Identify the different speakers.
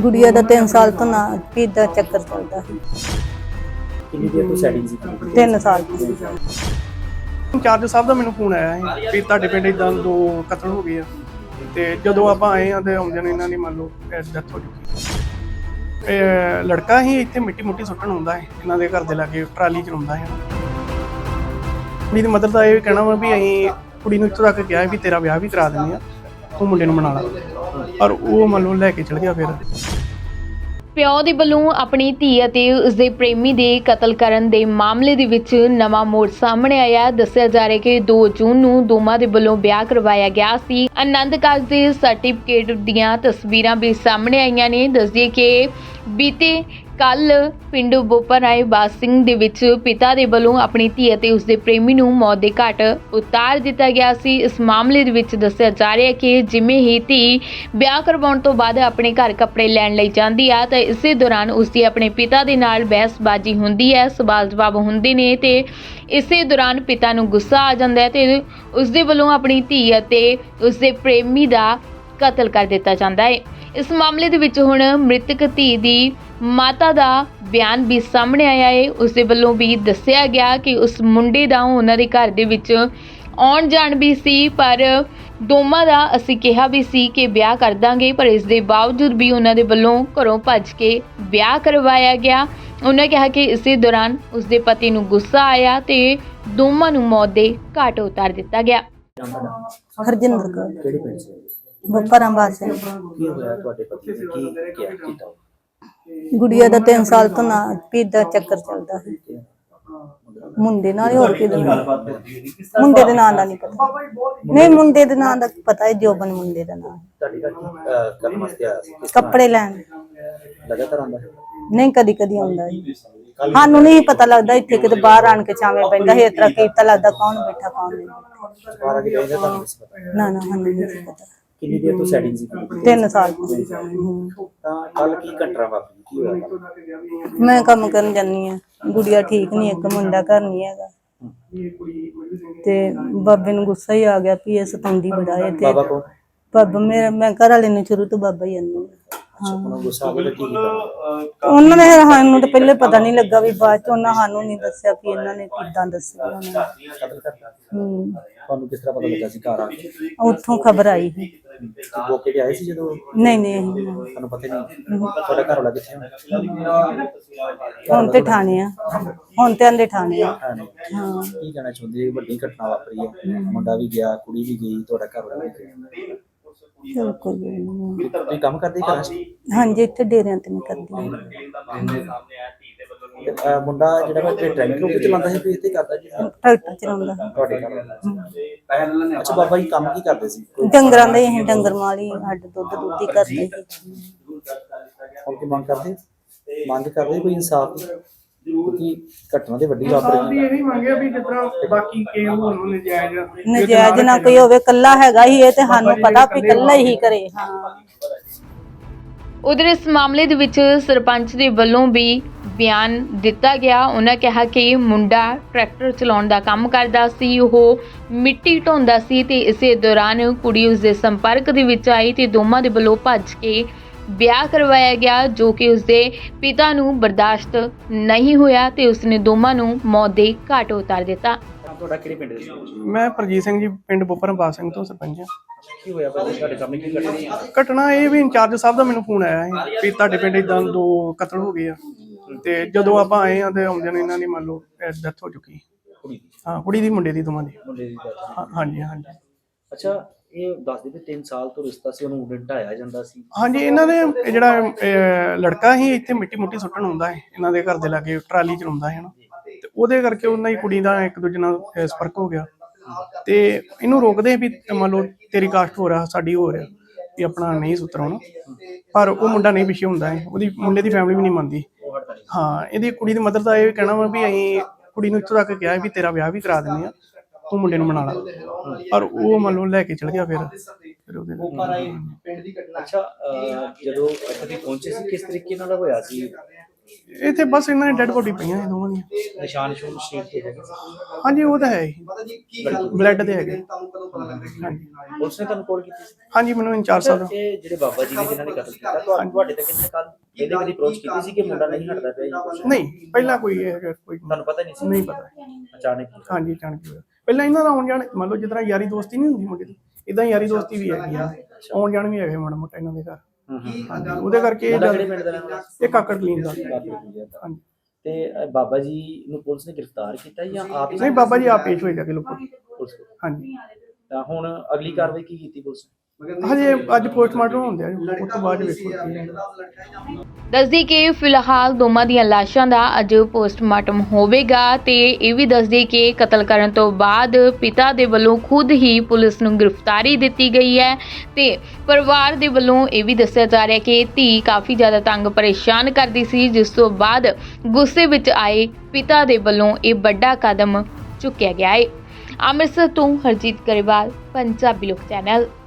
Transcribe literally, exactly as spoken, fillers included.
Speaker 1: ਗੁੜੀਆ ਦਾ ਤਿੰਨ ਸਾਲ ਤੋਂ ਨਾ ਪੀੜ ਦਾ ਚੱਕਰ ਚੱਲਦਾ ਸੀ।
Speaker 2: ਕਿੰਨੀ ਦੇਰ ਤੋਂ ਸੈਟਿੰਗ ਸੀ?
Speaker 1: ਤਿੰਨ ਸਾਲ ਤੋਂ।
Speaker 3: ਇੰਚਾਰਜ ਸਾਹਿਬ ਦਾ ਮੈਨੂੰ ਫੋਨ ਆਇਆ ਸੀ ਵੀ ਤੁਹਾਡੇ ਪਿੰਡ ਇਦਾਂ ਦੋ ਕਤਲ ਹੋ ਗਏ ਆ, ਤੇ ਜਦੋਂ ਆਪਾਂ ਆਏ ਆ ਤੇ ਆਉਂਦੇ ਨੇ ਇਹਨਾਂ ਦੀ ਮੰਨ ਲਓ ਡੈਥ ਹੋ ਚੁੱਕੀ। ਇਹ ਲੜਕਾ ਹੀ ਇੱਥੇ ਮਿੱਟੀ ਮੁੱਟੀ ਸੁੱਟਣ ਆਉਂਦਾ ਹੈ, ਇਹਨਾਂ ਦੇ ਘਰ ਦੇ ਲਾਗੇ ਟਰਾਲੀ ਚਲਾਉਂਦਾ ਹੈ। ਕੁੜੀ ਦੀ ਮਦਰ ਦਾ ਇਹ ਕਹਿਣਾ ਵਾ ਵੀ ਅਸੀਂ ਕੁੜੀ ਨੂੰ ਇੱਥੋਂ ਤੱਕ ਕਿਹਾ ਵੀ ਤੇਰਾ ਵਿਆਹ ਵੀ ਕਰਾ ਦਿੰਦੇ ਆ, ਤੂੰ ਮੁੰਡੇ ਨੂੰ ਮਨਾ ਲਾ, ਪਰ ਉਹ ਮੰਨ ਲਓ ਲੈ ਕੇ ਚਲ ਗਿਆ। ਫਿਰ
Speaker 4: ਪਿਓ ਦੇ ਵੱਲੋਂ ਆਪਣੀ ਧੀ ਅਤੇ ਉਸਦੇ ਪ੍ਰੇਮੀ ਦੇ ਕਤਲ ਕਰਨ ਦੇ ਮਾਮਲੇ ਦੇ ਵਿੱਚ ਨਵਾਂ ਮੋੜ ਸਾਹਮਣੇ ਆਇਆ। ਦੱਸਿਆ ਜਾ ਰਿਹਾ ਕਿ ਦੋ ਜੂਨ ਨੂੰ ਦੋਵਾਂ ਦੇ ਵੱਲੋਂ ਵਿਆਹ ਕਰਵਾਇਆ ਗਿਆ ਸੀ। ਆਨੰਦ ਕਾਰਜ ਦੇ ਸਰਟੀਫਿਕੇਟ ਦੀਆਂ ਤਸਵੀਰਾਂ ਵੀ ਸਾਹਮਣੇ ਆਈਆਂ ਨੇ। ਦੱਸਦੀਏ ਕਿ ਬੀਤੇ ਕੱਲ ਪਿੰਡ ਬੋਪਰਾਏ ਬਾਸ ਸਿੰਘ ਦੇ ਵਿੱਚ ਪਿਤਾ ਦੇ ਵੱਲੋਂ ਆਪਣੀ ਧੀ ਅਤੇ ਉਸਦੇ ਪ੍ਰੇਮੀ ਨੂੰ ਮੌਤ ਦੇ ਘਾਟ ਉਤਾਰ ਦਿੱਤਾ ਗਿਆ ਸੀ। ਇਸ ਮਾਮਲੇ ਦੇ ਵਿੱਚ ਦੱਸਿਆ ਜਾ ਰਿਹਾ ਕਿ ਜਿਵੇਂ ਹੀ ਧੀ ਵਿਆਹ ਕਰਵਾਉਣ ਤੋਂ ਬਾਅਦ ਆਪਣੇ ਘਰ ਕੱਪੜੇ ਲੈਣ ਲਈ ਜਾਂਦੀ ਆ ਤਾਂ ਇਸੇ ਦੌਰਾਨ ਉਸਦੀ ਆਪਣੇ ਪਿਤਾ ਦੇ ਨਾਲ ਬਹਿਸਬਾਜ਼ੀ ਹੁੰਦੀ ਹੈ, ਸਵਾਲ ਜਵਾਬ ਹੁੰਦੇ ਨੇ ਤੇ ਇਸੇ ਦੌਰਾਨ ਪਿਤਾ ਨੂੰ ਗੁੱਸਾ ਆ ਜਾਂਦਾ ਹੈ ਤੇ ਉਸਦੇ ਵੱਲੋਂ ਆਪਣੀ ਧੀ ਅਤੇ ਉਸਦੇ ਪ੍ਰੇਮੀ ਦਾ ਕਤਲ ਕਰ ਦਿੱਤਾ ਜਾਂਦਾ ਹੈ। ਇਸ ਮਾਮਲੇ ਦੇ ਵਿੱਚ ਹੁਣ ਮ੍ਰਿਤਕ ਧੀ ਦੀ ਮਾਤਾ ਦਾ ਬਿਆਨ ਵੀ ਸਾਹਮਣੇ ਆਇਆ ਹੈ। ਉਸ ਦੇ ਵੱਲੋਂ ਵੀ ਦੱਸਿਆ ਗਿਆ ਕਿ ਉਸ ਮੁੰਡੇ ਦਾ ਉਹਨਾਂ ਦੇ ਘਰ ਦੇ ਵਿੱਚ ਆਉਣ ਜਾਣ ਵੀ ਸੀ, ਪਰ ਦੋਵਾਂ ਦਾ ਅਸੀਂ ਕਿਹਾ ਵੀ ਸੀ ਕਿ ਵਿਆਹ ਕਰ ਦਾਂਗੇ, ਪਰ ਇਸ ਦੇ ਬਾਵਜੂਦ ਵੀ ਉਹਨਾਂ ਦੇ ਵੱਲੋਂ ਘਰੋਂ ਭੱਜ ਕੇ ਵਿਆਹ ਕਰਵਾਇਆ ਗਿਆ। ਉਹਨਾਂ ਕਿਹਾ ਕਿ ਇਸੇ ਦੌਰਾਨ ਉਸ ਦੇ ਪਤੀ ਨੂੰ ਗੁੱਸਾ ਆਇਆ ਤੇ ਦੋਵਾਂ ਨੂੰ ਮੌਤ ਦੇ ਘਾਟ ਉਤਾਰ ਦਿੱਤਾ ਗਿਆ।
Speaker 1: ਹਰਜਿੰਦਰ ਕੌਰ,
Speaker 2: ਕਿਹੜੇ ਪਿੰਡ ਸੇ?
Speaker 1: ਬੋਪਰਾ ਬਾਸ ਸਿੰਘ।
Speaker 2: ਕੀ ਹੋਇਆ ਤੁਹਾਡੇ ਪਤੀ ਨੇ? ਕੀ ਕਿਹਾ ਕੀਤਾ?
Speaker 1: ਗੁੜੀਆ ਦਾ ਤਿੰਨ ਸਾਲ ਤੋਂ ਨਾ ਪੀੜ ਦਾ ਚੱਕਰ ਚੱਲਦਾ ਸੀ। ਮੁੰਡੇ ਨਾਲ ਹੀ, ਹੋਰ ਕਿਹਦੇ ਨਾਲ? ਮੁੰਡੇ ਦੇ ਨਾਂ ਦਾ ਨਹੀਂ ਪਤਾ। ਨਹੀਂ, ਮੁੰਡੇ ਦੇ ਨਾਂ ਦਾ ਪਤਾ ਹੈ, ਜੋਬਨ ਮੁੰਡੇ ਦਾ ਨਾਂ।
Speaker 2: ਤੁਹਾਡੀ ਘਰ ਕੀ ਕਰਨ ਵਾਸਤੇ ਆਇਆ ਸੀ? ਕਿਸ
Speaker 1: ਕੱਪੜੇ ਲੈਣ।
Speaker 2: ਤਰ੍ਹਾਂ ਲਗਾਤਾਰ ਆਉਂਦਾ ਹੈ?
Speaker 1: ਨਹੀਂ, ਕਦੀ ਕਦੀ ਆਉਂਦਾ ਹੈ। ਸਾਨੂੰ ਨਹੀਂ ਪਤਾ ਲੱਗਦਾ, ਇੱਥੇ ਕਿਤੇ ਬਾਹਰ ਆਣ ਕੇ ਛਾਵੇਂ ਪੈਂਦਾ ਹੈ। ਇਸ ਤਰ੍ਹਾਂ ਕੀ ਪਤਾ ਲੱਗਦਾ ਕੌਣ ਬੈਠਾ ਕੌਣ ਨਹੀਂ।
Speaker 2: ਬਾਹਰ ਆ ਕੇ ਬੈਠਾ ਤੁਹਾਨੂੰ ਨਹੀਂ ਪਤਾ?
Speaker 1: ਨਾ ਨਾ, ਸਾਨੂੰ ਨਹੀਂ ਪਤਾ।
Speaker 2: ਕਿੰਨੀ ਦੇਰ ਤੋਂ ਸੈਟਿੰਗ ਸੀ?
Speaker 1: ਤਿੰਨ ਸਾਲ ਤੋਂ।
Speaker 2: ਤਾਂ ਕੱਲ ਕੀ ਘਟਨਾ ਵਾਪਰੀ? ਕੀ ਹੋਇਆ?
Speaker 1: ਮੈਂ ਕੰਮ ਕਰਨ ਜਾਂਦੀ ਆ, ਗੁੜੀਆ ਠੀਕ ਨਹੀਂ, ਇੱਕ ਮੁੰਡਾ ਘਰ ਨਹੀਂ ਹੈਗਾ ਤੇ ਬਾਬੇ ਨੂੰ ਗੁੱਸਾ ਹੀ ਆ ਗਿਆ ਵੀ ਇਹ ਸਤਾਉਂਦੀ ਬੜਾ ਹੈ। ਤੇ
Speaker 2: ਬਾਬਾ ਕੋ
Speaker 1: ਬਾਬਾ ਮੇਰਾ, ਮੈਂ ਘਰ ਵਾਲੇ ਨੂੰ ਸ਼ੁਰੂ ਤੋਂ ਬਾਬਾ ਹੀ ਆਂਦੀ।
Speaker 2: ਉਹਨਾਂ ਗੁੱਸਾ ਆ ਗਿਆ ਕੀ ਕੀਤਾ?
Speaker 1: ਉਹਨਾਂ ਨੇ ਸਾਨੂੰ ਤਾਂ ਪਹਿਲੇ ਪਤਾ ਨਹੀਂ ਲੱਗਾ, ਵੀ ਬਾਅਦ ਚ ਉਹਨਾਂ ਸਾਨੂੰ ਨਹੀਂ ਦੱਸਿਆ ਕਿ ਇਹਨਾਂ ਨੇ ਕਿੱਦਾਂ ਦੱਸਿਆ। ਉਹਨਾਂ ਨੇ
Speaker 2: ਕਤਲ ਕਰਤਾ?
Speaker 1: ਹੂੰ,
Speaker 2: ਤੁਹਾਨੂੰ ਕਿਸ ਤਰ੍ਹਾਂ ਪਤਾ ਲੱਗਾ ਸੀ ਘਰ ਆ ਕੇ?
Speaker 1: ਉੱਥੋਂ ਖਬਰ ਆਈ ਸੀ।
Speaker 2: ਮੌਕੇ ਤੇ ਆਏ ਸੀ ਜਦੋਂ?
Speaker 1: ਨਹੀਂ ਨਹੀਂ, ਅਸੀਂ
Speaker 2: ਤੁਹਾਨੂੰ ਪਤਾ ਨਹੀਂ? ਤੁਹਾਡਾ ਘਰ ਵਾਲਾ ਕਿੱਥੇ ਹੈ?
Speaker 1: ਹੁਣ ਤੇ ਠਾਣੇ ਆ, ਹੁਣ ਤੇ ਆਂਦੇ ਠਾਣੇ ਆ।
Speaker 2: ਹਾਂ। ਕੀ ਕਹਿਣਾ ਚਾਹੁੰਦੇ? ਵੱਡੀ ਘਟਨਾ ਵਾਪਰੀ ਹੈ, ਮੁੰਡਾ ਵੀ ਗਿਆ, ਕੁੜੀ ਵੀ ਗਈ, ਤੁਹਾਡਾ ਘਰ ਵਾਲਾ ਵੀ ਗਿਆ।
Speaker 1: ਚਲੋ ਕੋਈ ਗੱਲ ਨੀ।
Speaker 2: ਤੁਸੀਂ ਕੰਮ ਕਰਦੇ ਘਰਾਂ 'ਚ?
Speaker 1: ਹਾਂਜੀ, ਇੱਥੇ ਡੇਰਿਆਂ ਤੇ ਮੈਂ ਕਰਦੀ ਹਾਂ।
Speaker 2: ਅਹ ਮੁੰਡਾ ਜਿਹੜਾ ਮੈਂ ਟ੍ਰੈਨਿੰਗ ਰੂਮ ਚਲਾਉਂਦਾ ਸੀ, ਇੱਥੇ ਕਰਦਾ ਜੀ?
Speaker 1: ਟਰੈਕਟਰ ਚਲਾਉਂਦਾ।
Speaker 2: ਤੁਹਾਡੇ ਘਰ ਵਾਲਾ? ਅੱਛਾ, ਬਾਬਾ ਜੀ ਕੰਮ ਕੀ ਕਰਦੇ ਸੀ?
Speaker 1: ਡੰਗਰਾਂ ਦੇ ਅਸੀਂ ਡੰਗਰ ਮਾਲੀ, ਅੱਡ ਦੁੱਧ ਦੁੱਧ ਹੀ ਕਰਦੇ ਸੀ।
Speaker 2: ਹੁਣ ਕੀ ਮੰਗ ਕਰਦੇ? ਮੰਗ ਕਰਦੇ ਕੋਈ ਇਨਸਾਫ ਦੀ? ਕਿਉਂਕਿ ਘਟਨਾ ਤੇ ਵੱਡੀ ਵਾਪਰੀ ਹੈ।
Speaker 3: ਇਹ ਮੰਗਿਆ ਵੀ ਜਿਸ ਤਰ੍ਹਾਂ ਬਾਕੀ ਕੇ ਹੋਰ ਨੂੰ ਨਜਾਇਜ਼
Speaker 1: ਨਜਾਇਜ਼ ਨਾ ਕੋਈ ਹੋਵੇ, ਕੱਲਾ ਹੈਗਾ ਹੀ ਇਹ ਤੇ ਸਾਨੂੰ ਪਤਾ ਵੀ ਕੱਲਾ ਹੀ ਕਰੇ। ਹਾਂ,
Speaker 4: ਉਧਰ ਇਸ ਮਾਮਲੇ ਦੇ ਵਿੱਚ ਸਰਪੰਚ ਦੇ ਵੱਲੋਂ ਵੀ ਬਿਆਨ ਦਿੱਤਾ ਗਿਆ। ਉਹਨਾਂ ਕਿਹਾ ਕਿ ਮੁੰਡਾ ਟਰੈਕਟਰ ਚਲਾਉਣ ਦਾ ਕੰਮ ਕਰਦਾ ਸੀ, ਉਹ ਮਿੱਟੀ ਢੋਂਦਾ ਸੀ ਤੇ ਇਸੇ ਦੌਰਾਨ ਕੁੜੀ ਉਸ ਦੇ ਸੰਪਰਕ ਦੇ ਵਿੱਚ ਆਈ ਤੇ ਦੋਵਾਂ ਦੇ ਵੱਲੋਂ ਭੱਜ ਕੇ ਵਿਆਹ ਕਰਵਾਇਆ ਗਿਆ, ਜੋ ਕਿ ਉਸਦੇ ਪਿਤਾ ਨੂੰ ਬਰਦਾਸ਼ਤ ਨਹੀਂ ਹੋਇਆ ਤੇ ਉਸਨੇ ਦੋਵਾਂ ਨੂੰ ਮੌਤ ਦੇ ਘਾਟ ਉਤਾਰ ਦਿੱਤਾ।
Speaker 2: ਤੁਹਾਡਾ ਕਿਹੜੇ ਪਿੰਡ ਦੇ?
Speaker 3: ਮੈਂ ਪ੍ਰਜੀਤ ਸਿੰਘ ਜੀ, ਪਿੰਡ ਬੋਪਰਾ ਬਾਸ ਸਿੰਘ ਤੋਂ ਸਰਪੰਚ ਹਾਂ।
Speaker 2: ਕੀ ਹੋਇਆ ਭਾਈ ਤੁਹਾਡੇ ਸਾਹਮਣੇ? ਕੀ ਘਟਨਾ?
Speaker 3: ਘਟਨਾ ਇਹ ਵੀ ਇੰਚਾਰਜ ਸਾਹਿਬ ਦਾ ਮੈਨੂੰ ਫੋਨ ਆਇਆ ਸੀ ਵੀ ਤੁਹਾਡੇ ਪਿੰਡ ਇਦਾਂ ਦੋ ਕਤਲ ਹੋ ਗਏ ਆ, ਤੇ ਜਦੋਂ ਆਪਾਂ ਆਏ ਆ ਤੇ ਆਉਂਦੇ ਨੇ ਇਹਨਾਂ ਦੀ ਮੰਨ ਲਓ ਡੈਥ ਹੋ ਚੁੱਕੀ।
Speaker 2: ਕੁੜੀ ਦੀ?
Speaker 3: ਹਾਂ, ਕੁੜੀ ਦੀ ਮੁੰਡੇ ਦੀ, ਦੋਵਾਂ ਦੀ।
Speaker 2: ਮੁੰਡੇ ਦੀ death?
Speaker 3: ਹਾਂ- ਹਾਂਜੀ ਹਾਂਜੀ।
Speaker 2: ਅੱਛਾ, ਇਹ ਦੱਸਦੇ ਵੀ ਤਿੰਨ ਸਾਲ ਤੋਂ ਰਿਸ਼ਤਾ ਸੀ, ਉਹਨੂੰ ਮੁੰਡੇ ਢਾਇਆ ਜਾਂਦਾ ਸੀ?
Speaker 3: ਹਾਂਜੀ, ਇਹਨਾਂ ਦੇ ਇਹ ਜਿਹੜਾ ਅਹ, ਲੜਕਾ ਸੀ ਇੱਥੇ ਮਿੱਟੀ ਮੁੱਟੀ ਸੁੱਟਣ ਆਉਂਦਾ ਹੈ, ਇਹਨਾਂ ਦੇ ਘਰ ਦੇ ਲਾਗੇ ਟਰਾਲੀ ਚਲਾਉਂਦਾ ਹੈ ਨਾ, ਤੇ ਉਹਦੇ ਕਰਕੇ ਉਹਨਾਂ ਦੀ ਕੁੜੀ ਦਾ ਇੱਕ ਦੂਜੇ ਨਾਲ ਸੰਪਰਕ ਹੋ ਗਿਆ ਤੇ ਇਹਨੂੰ ਰੋਕਦੇ ਵੀ ਮੰਨ ਲਓ ਤੇਰੀ ਕਾਸਟ ਹੋ ਰਿਹਾ, ਸਾਡੀ ਹੋ ਰਿਹਾ, ਵੀ ਆਪਣਾ ਨਹੀਂ ਸੁਤਰਾਉਣਾ, ਪਰ ਉਹ ਮੁੰਡਾ ਨਹੀਂ ਪਿੱਛੇ ਹੁੰਦਾ ਹੈ, ਉਹਦੀ ਮੁੰਡੇ ਦੀ ਫੈਮਿਲੀ ਵੀ ਨਹੀਂ ਮੰਨਦੀ। ਹਾਂ, ਇਹਦੀ ਕੁੜੀ ਦੀ ਮਦਰ ਦਾ ਇਹ ਕਹਿਣਾ ਵਾ ਵੀ ਅਸੀਂ ਕੁੜੀ ਨੂੰ ਇੱਥੋਂ ਤੱਕ ਕਿਹਾ ਵੀ ਤੇਰਾ ਵਿਆਹ ਵੀ ਕਰਾ ਦਿੰਦੇ ਆ, ਤੂੰ ਮੁੰਡੇ ਨੂੰ ਮਨਾ ਲਾ, ਪਰ ਉਹ ਮੰਨ ਲਓ ਲੈ ਕੇ ਚਲ ਗਿਆ। ਫਿਰ ਫਿਰ ਉਹਦੇ
Speaker 2: ਅੱਛਾ, ਜਦੋਂ ਇੱਥੇ ਪਹੁੰਚੇ ਸੀ ਕਿਸ ਤਰੀਕੇ ਨਾਲ ਹੋਇਆ ਸੀ?
Speaker 3: ਇੱਥੇ ਬਸ ਇਹਨਾਂ ਦੀ ਡੈੱਡ ਬੋਡੀ ਪਈਆਂ ਇਹ ਦੋਵਾਂ ਦੀਆਂ।
Speaker 2: ਨਿਸ਼ਾਨ ਨਿਸ਼ੂਨ ਸਰੀਰ ਤੇ ਹੈਗੇ
Speaker 3: ਹਾਂਜੀ ਉਹ ਤਾਂ ਹੈ ਹੀ, ਬਲੱਡ ਦੇ ਹੈਗੇ। ਹਾਂਜੀ
Speaker 2: ਪੁਲਿਸ ਨੇ ਤੁਹਾਨੂੰ ਕਾਲ ਕੀਤੀ ਸੀ?
Speaker 3: ਹਾਂਜੀ ਮੈਨੂੰ ਇੰਚਾਰਜ ਸਾਹਿਬ
Speaker 2: ਇਹ ਜਿਹੜੇ ਬਾਬਾ ਜੀ ਨੇ ਜਿਨ੍ਹਾਂ ਨੇ ਕਤਲ ਕੀਤਾ ਤੁਹਾਨੂੰ ਤੁਹਾਡੇ ਤੱਕ ਕਿੰਨੇ ਕੱਲ ਇਹਦੇ ਕਦੀ ਅਪਰੋਚ ਕੀਤੀ ਸੀ ਕਿ ਮੁੰਡਾ ਨਹੀਂ ਹਟਦਾ ਪਿਆ ਜੀ ਕੁਛ?
Speaker 3: ਨਹੀਂ ਪਹਿਲਾਂ ਕੋਈ ਇਹ ਕੋਈ
Speaker 2: ਤੁਹਾਨੂੰ ਪਤਾ ਨਹੀਂ ਸੀ?
Speaker 3: ਨਹੀਂ ਪਤਾ।
Speaker 2: ਅਚਾਨਕ ਹੀ?
Speaker 3: ਹਾਂਜੀ ਅਚਾਨਕ ਹੋਇਆ। ਪਹਿਲਾਂ ਇਹਨਾਂ ਦਾ ਆਉਣ ਜਾਣ ਮੰਨ ਲਓ ਜਿਸ ਤਰ੍ਹਾਂ ਯਾਰੀ ਦੋਸਤੀ ਨਹੀਂ ਹੁੰਦੀ ਮੁੰਡੇ ਦੀ, ਇਦਾਂ ਯਾਰੀ ਦੋਸਤੀ ਵੀ ਹੈਗੀ ਆ, ਆਉਣ ਜਾਣ ਵੀ ਹੈਗੇ ਮਾੜਾ ਮੋਟਾ ਇਹਨਾਂ ਦੇ ਘਰ। ਹਾਂਜੀ ਉਹਦੇ ਕਰਕੇ ਇਹ
Speaker 2: ਮੁੰਡਾ
Speaker 3: ਗੱਲ-
Speaker 2: ਕਿਹੜੇ ਪਿੰਡ ਦਾ ਰਹਿਣ ਵਾਲਾ?
Speaker 3: ਇਹ ਕਾਕੜ ਕਲੀਨ ਦਾ। ਹਾਂਜੀ
Speaker 2: ਤੇ ਅ, ਬਾਬਾ ਜੀ ਨੂੰ ਪੁਲਿਸ ਨੇ ਗ੍ਰਿਫਤਾਰ ਕੀਤਾ ਜਾਂ ਆਪ ਹੀ?
Speaker 3: ਨਹੀਂ ਬਾਬਾ ਜੀ ਆਪ ਪੇਸ਼ ਹੋਏ ਜਾ ਕੇ ਲੋਕੋ।
Speaker 2: ਪੁਲਿਸ ਕੋਲ।
Speaker 3: ਹਾਂਜੀ
Speaker 2: ਤਾਂ ਹੁਣ ਅਗਲੀ ਕਾਰਵਾਈ ਕੀ ਕੀਤੀ ਪੁਲਿਸ ਨੇ?
Speaker 3: ਹਜੇ ਅੱਜ ਪੋਸਟਮਾਰਟਮ ਹੁੰਦੇ ਆ ਜੀ, ਉਸ ਤੋਂ ਬਾਅਦ ਵੇਖੋ ਕੀ ਹੈ।
Speaker 4: ਦੱਸਦੀ ਕਿ ਫਿਲਹਾਲ ਦੋਵਾਂ ਦੀਆਂ ਲਾਸ਼ਾਂ ਦਾ ਅੱਜ ਪੋਸਟਮਾਰਟਮ ਹੋਵੇਗਾ ਤੇ ਇਹ ਵੀ ਦੱਸਦੀ ਕਿ ਕਤਲ ਕਰਨ ਤੋਂ ਬਾਅਦ ਪਿਤਾ ਦੇ ਵੱਲੋਂ ਖੁਦ ਹੀ ਪੁਲਿਸ ਨੂੰ ਗ੍ਰਿਫਤਾਰੀ ਦਿੱਤੀ ਗਈ ਹੈ ਤੇ ਪਰਿਵਾਰ ਦੇ ਵੱਲੋਂ ਇਹ ਵੀ ਦੱਸਿਆ ਜਾ ਰਿਹਾ ਕਿ ਧੀ ਕਾਫੀ ਜ਼ਿਆਦਾ ਤੰਗ ਪਰੇਸ਼ਾਨ ਕਰਦੀ ਸੀ, ਜਿਸ ਤੋਂ ਬਾਅਦ ਗੁੱਸੇ ਵਿੱਚ ਆਏ ਪਿਤਾ ਦੇ ਵੱਲੋਂ ਇਹ ਵੱਡਾ ਕਦਮ ਚੁੱਕਿਆ ਗਿਆ ਹੈ। ਅੰਮ੍ਰਿਤਸਰ ਤੋਂ ਹਰਜੀਤ ਗਰੇਵਾਲ, ਪੰਜਾਬੀ ਲੋਕ ਚੈਨਲ।